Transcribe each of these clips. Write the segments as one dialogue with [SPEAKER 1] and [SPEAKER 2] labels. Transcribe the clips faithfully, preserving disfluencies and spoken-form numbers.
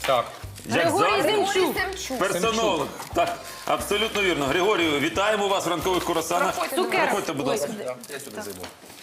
[SPEAKER 1] Так.
[SPEAKER 2] Як
[SPEAKER 3] Григорій
[SPEAKER 2] завжди.
[SPEAKER 3] Семчук.
[SPEAKER 2] Персонолог. Так, абсолютно вірно. Григорію, вітаємо вас в ранкових курасанах.
[SPEAKER 3] Проходьте,
[SPEAKER 2] Проходьте, будь ласка.
[SPEAKER 4] Я сюда зайду.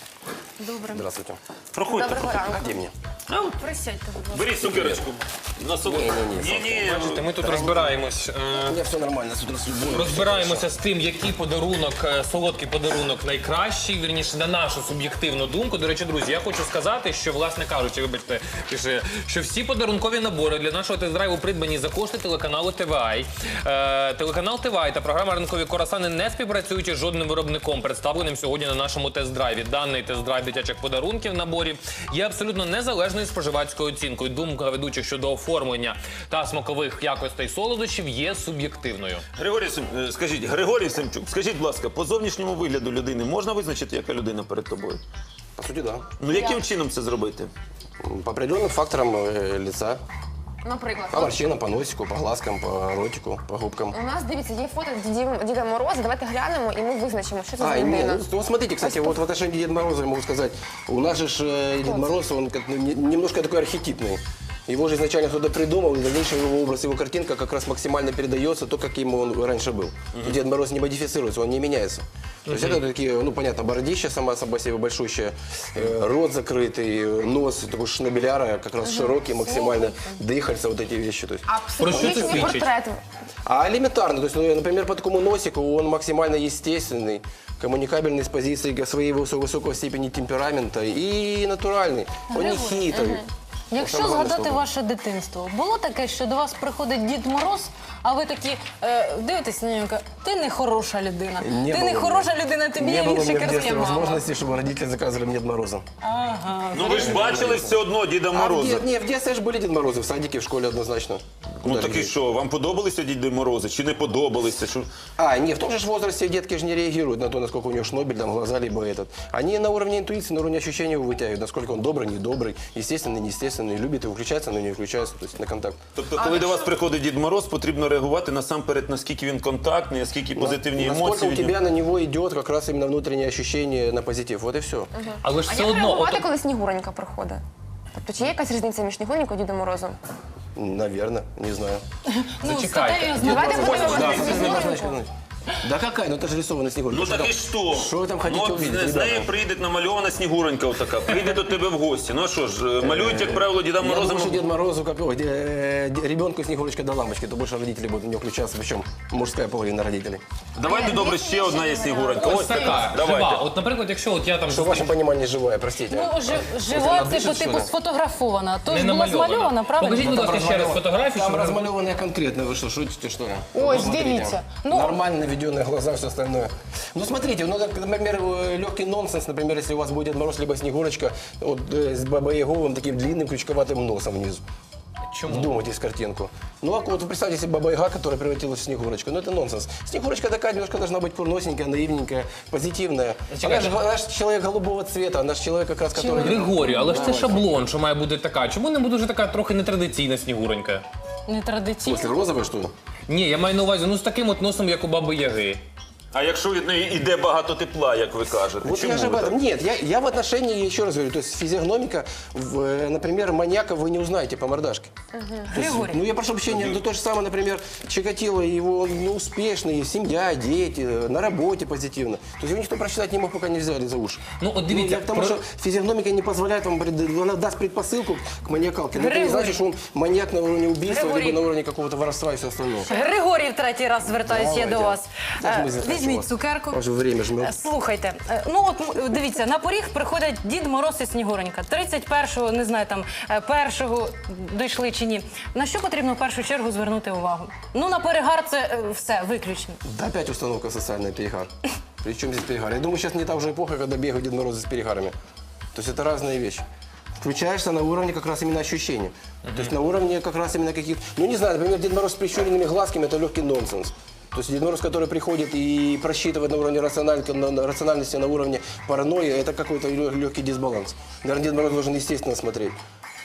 [SPEAKER 3] Добре.
[SPEAKER 4] Здравствуйте.
[SPEAKER 2] Проходьте.
[SPEAKER 3] Доброго ранку.
[SPEAKER 4] Где мне?
[SPEAKER 3] Присядьте, будь ласка.
[SPEAKER 2] Беріть цукерочку. На собі.
[SPEAKER 4] Ні-ні-ні.
[SPEAKER 2] Ні-ні.
[SPEAKER 1] Бачите, ми тут розбираємось. е,
[SPEAKER 4] У меня все нормально, с утра с любовью.
[SPEAKER 1] Розбираємося з тим, який подарунок, е, солодкий подарунок найкращий, вірніше, на нашу суб'єктивну думку. До речі, друзі, я хочу сказати, що, власне кажучи, вибачте, пише, що всі подарункові набори для нашого тест-драйву придбані за кошти телеканалу ТВ А Й. Е, телеканал ТВ А Й та програма «Ранкові курасани» не співпрацюють із жодним виробником, представленим сьогодні на нашому тест-драйві. Даний тест-драйв дитячих подарунків в наборі є абсолютно незалежною споживацькою оцінкою. Думка ведучих щодо оформлення та смакових якостей солодощів є суб'єктивною.
[SPEAKER 2] Григорій, Сем- е, скажіть, Григорій Семчук, скажіть, будь ласка, по зовнішньому вигляду людини можна визначити, яка людина перед тобою?
[SPEAKER 4] По сути, да.
[SPEAKER 2] Ну, яким чином це зробити?
[SPEAKER 4] По определенным факторам э, лица.
[SPEAKER 3] Наприклад,
[SPEAKER 4] По морщинам, по носику, по глазкам, по ротику, по губкам.
[SPEAKER 3] у нас, дивіться, є фото Діді- Діда Мороза. Давайте глянемо і ми визначимо, що це за
[SPEAKER 4] А, нет,
[SPEAKER 3] людина.
[SPEAKER 4] ну, вот смотрите, кстати, вот в отношении Деда Мороза я могу сказать, у нас же ж, э, Дед Мороз, он как, ну, не- немножко такой архетипный. Его же изначально кто-то придумал, и в дальнейшем его образ, его картинка как раз максимально передается то, каким он раньше был. Дед Мороз не модифицируется, он не меняется. То есть это такие, ну понятно, бородища сама собой себе большущая, э, рот закрытый, нос такой шнабеляра, как раз широкий максимально, дыхальца, вот эти вещи. То есть.
[SPEAKER 3] А
[SPEAKER 1] Про що це
[SPEAKER 3] психологічний
[SPEAKER 1] свідчить?
[SPEAKER 3] портрет.
[SPEAKER 4] А элементарно, то есть, ну, например, по такому носику он максимально естественный, коммуникабельный с позиции своей высокой, высокой степени темперамента и натуральный. Он не хитрый.
[SPEAKER 5] Якщо
[SPEAKER 4] Саме головне
[SPEAKER 5] згадати
[SPEAKER 4] слово.
[SPEAKER 5] ваше дитинство, було таке, що до вас приходить Дід Мороз, а ви такі е, дивитесь на нього і кажете, ти не хороша людина,
[SPEAKER 4] Не
[SPEAKER 5] ти
[SPEAKER 4] было
[SPEAKER 5] не
[SPEAKER 4] у
[SPEAKER 5] хороша
[SPEAKER 4] меня-
[SPEAKER 5] людина, тобі
[SPEAKER 4] Не
[SPEAKER 5] є
[SPEAKER 4] было у
[SPEAKER 5] більше
[SPEAKER 4] меня в детстве
[SPEAKER 5] керує мама.
[SPEAKER 4] возможности, чтобы родители заказывали мне Дед Мороза.
[SPEAKER 5] Ага.
[SPEAKER 2] Ну, ви ж бачили все одно Діда
[SPEAKER 4] А в,
[SPEAKER 2] Мороза.
[SPEAKER 4] де- не, в детстве же были Дед Морозы, в садике, в школе однозначно.
[SPEAKER 2] Ну,
[SPEAKER 4] Куда
[SPEAKER 2] так і
[SPEAKER 4] же
[SPEAKER 2] що, вам подобалися Діди Морози чи не подобалися? Що...
[SPEAKER 4] А, не, в том же ж возрасте детки же не реагируют на то, насколько у него шнобель, там, глаза, либо этот. Они на уровне интуиции, на уровне ощущения его вытягивают, насколько он добрый, недобрый, естественный, неестественный, любит его включаться, но не включается, то есть на контакт.
[SPEAKER 2] Тобто, коли до вас приходить Дід Мороз, потрібно реагувати насамперед, наскільки він контактний, наскільки позитивні
[SPEAKER 4] Насколько
[SPEAKER 2] емоції.
[SPEAKER 4] у
[SPEAKER 2] від нього.
[SPEAKER 4] тебя на него идет как раз именно внутреннее ощущение на позитив, вот и все.
[SPEAKER 1] Але ж
[SPEAKER 3] А
[SPEAKER 1] все
[SPEAKER 3] як
[SPEAKER 1] одно,
[SPEAKER 3] реагувати,
[SPEAKER 1] от,
[SPEAKER 3] коли Снігуренька приходить? Тобто, чи є якась різниця між Снігуренькою і Дідом Морозом?
[SPEAKER 4] Наверное, не знаю.
[SPEAKER 5] Ну,
[SPEAKER 1] Зачекайте.
[SPEAKER 5] серйозно.
[SPEAKER 3] Давайте подивимося
[SPEAKER 4] Да,
[SPEAKER 3] на
[SPEAKER 4] все
[SPEAKER 3] Снігуреньку.
[SPEAKER 4] однозначно. Да какая? Ну это же рисованная Снегурка.
[SPEAKER 2] Ну так і що?
[SPEAKER 4] Що ви там хотіте
[SPEAKER 2] ну, от
[SPEAKER 4] увидеть,
[SPEAKER 2] з неї
[SPEAKER 4] ребята?
[SPEAKER 2] прийде намальована Снігуренька отака, прийде до тебе в гості. Ну а що ж, малюють, як правило, Діда
[SPEAKER 4] Я
[SPEAKER 2] Мороза.
[SPEAKER 4] думаю, что Дед Морозу, как, ой, э, де- ребенку Снегурочка до лампочки, то больше родители будут в нее включаться, причем мужская половина родителей.
[SPEAKER 2] Давайте, добре, ще одна є Снігуренька.
[SPEAKER 1] ось така, жива.
[SPEAKER 2] Давайте.
[SPEAKER 1] От, наприклад, якщо от я там
[SPEAKER 4] Что в вашем понимании живая, простите.
[SPEAKER 5] Ну, жи- жива,
[SPEAKER 4] Вона
[SPEAKER 5] типу,
[SPEAKER 4] дишить,
[SPEAKER 5] типу,
[SPEAKER 4] що ли?
[SPEAKER 5] сфотографована. Тож
[SPEAKER 1] не
[SPEAKER 5] була
[SPEAKER 1] намальована.
[SPEAKER 5] змальована, правильно?
[SPEAKER 1] Покажіть, будь ласка, ще раз фотографію.
[SPEAKER 4] Там
[SPEAKER 1] щоб-
[SPEAKER 4] размалеванная конкретно, вы что, шутите, что ли?
[SPEAKER 5] Ой,
[SPEAKER 4] Посмотрите.
[SPEAKER 5] дивіться. Ну-
[SPEAKER 4] Нормально наведенные глаза, все остальное. Ну, смотрите, ну, так, например, легкий нонсенс, например, если у вас будет Дед Мороз, либо Снегурочка, вот, э, с бабой-яговым таким длинным крючковатым носом внизу.
[SPEAKER 1] Чому?
[SPEAKER 4] Вдумайтесь в картинку. Ну, а вот представьте себе Баба-Яга, которая превратилась в Снегурочку. Ну, это нонсенс. Снегурочка такая немножко должна быть курносенькая, наивненькая, позитивная. Она же, она же человек голубого цвета, она же человек как раз, который...
[SPEAKER 1] Григорію, але ж це шаблон, що має бути така. Чому не буде вже така трохи нетрадиційна Снігуренька?
[SPEAKER 5] Нетрадиційно.
[SPEAKER 4] После розовой, что ли?
[SPEAKER 1] Ні, я маю на увазі, ну з таким от носом, як у Баби Яги.
[SPEAKER 2] А якщо від неї йде багато тепла, як ви кажете?
[SPEAKER 4] Вот
[SPEAKER 2] Чому
[SPEAKER 4] я же об
[SPEAKER 2] ви так?
[SPEAKER 4] этом. Нет, я, я в отношении, еще раз говорю, то есть физиогномика, в, э, например, маньяка вы не узнаете по мордашке. То есть,
[SPEAKER 5] Григорий.
[SPEAKER 4] ну, я прошу прощения, ну, то же самое, например, Чикатило, его ну, успешный, семья, дети, э, на работе позитивно. То есть его никто прочитать не мог, пока не взяли за уши.
[SPEAKER 1] Ну, от дивіться,
[SPEAKER 4] я к тому,
[SPEAKER 1] про-
[SPEAKER 4] что физиогномика не позволяет вам, пред- она даст предпосылку к маньякалке. Но это не
[SPEAKER 5] Григорий.
[SPEAKER 4] значит, что он маньяк на уровне убийства,
[SPEAKER 5] Григорий.
[SPEAKER 4] либо на уровне какого-то воровства и все остальное.
[SPEAKER 5] Григорій, в третій раз звертаюся я
[SPEAKER 4] Давайте.
[SPEAKER 5] до вас.
[SPEAKER 4] Як
[SPEAKER 5] Е,
[SPEAKER 4] ми звертаємося у
[SPEAKER 5] Візьміть
[SPEAKER 4] вас?
[SPEAKER 5] цукерку.
[SPEAKER 4] Ваше время жмет.
[SPEAKER 5] Е, Слухайте, е, ну от м, дивіться, на поріг приходять Дід Мороз і Снігуренька. тридцять першого, не знаю, там, е, першого дійшли чи ні. На що потрібно в першу чергу звернути увагу? Ну, на перегар це е, все, виключно.
[SPEAKER 4] Да опять установка социальная перегар. Причем здесь перегар? Я думаю, сейчас не та уже эпоха, когда бегают Дед Морозы с перегарами. То есть это разные вещи. Включаешься на уровне как раз именно ощущения. То есть на уровне как раз именно каких-то... Ну не знаю, например, Дед Мороз с прищуренными глазками – это легкий нонсенс. То есть Дед Мороз, который приходит и просчитывает на уровне рациональ- на- на рациональности, на уровне паранойи, это какой-то легкий дисбаланс. Наверное, Дед Мороз должен естественно смотреть.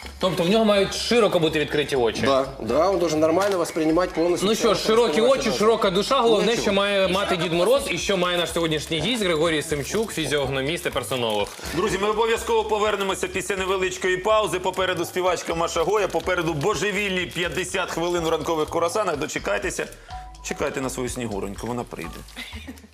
[SPEAKER 1] Тобто в нього мають широко бути відкриті очі.
[SPEAKER 4] Да, да, он должен нормально воспринимать полностью.
[SPEAKER 1] Ну що ж, широкі очі, широка душа. Головне,
[SPEAKER 4] Нічого.
[SPEAKER 1] що має мати Дід Мороз і що має наш сьогоднішній гість Григорій Семчук, фізіогноміст і персонолог.
[SPEAKER 2] Друзі, ми обов'язково повернемося після невеличкої паузи. Попереду співачка Маша Гоя, попереду божевільні п'ятдесят хвилин у ранкових курасанах. Дочекайтеся, чекайте на свою снігуроньку, вона прийде.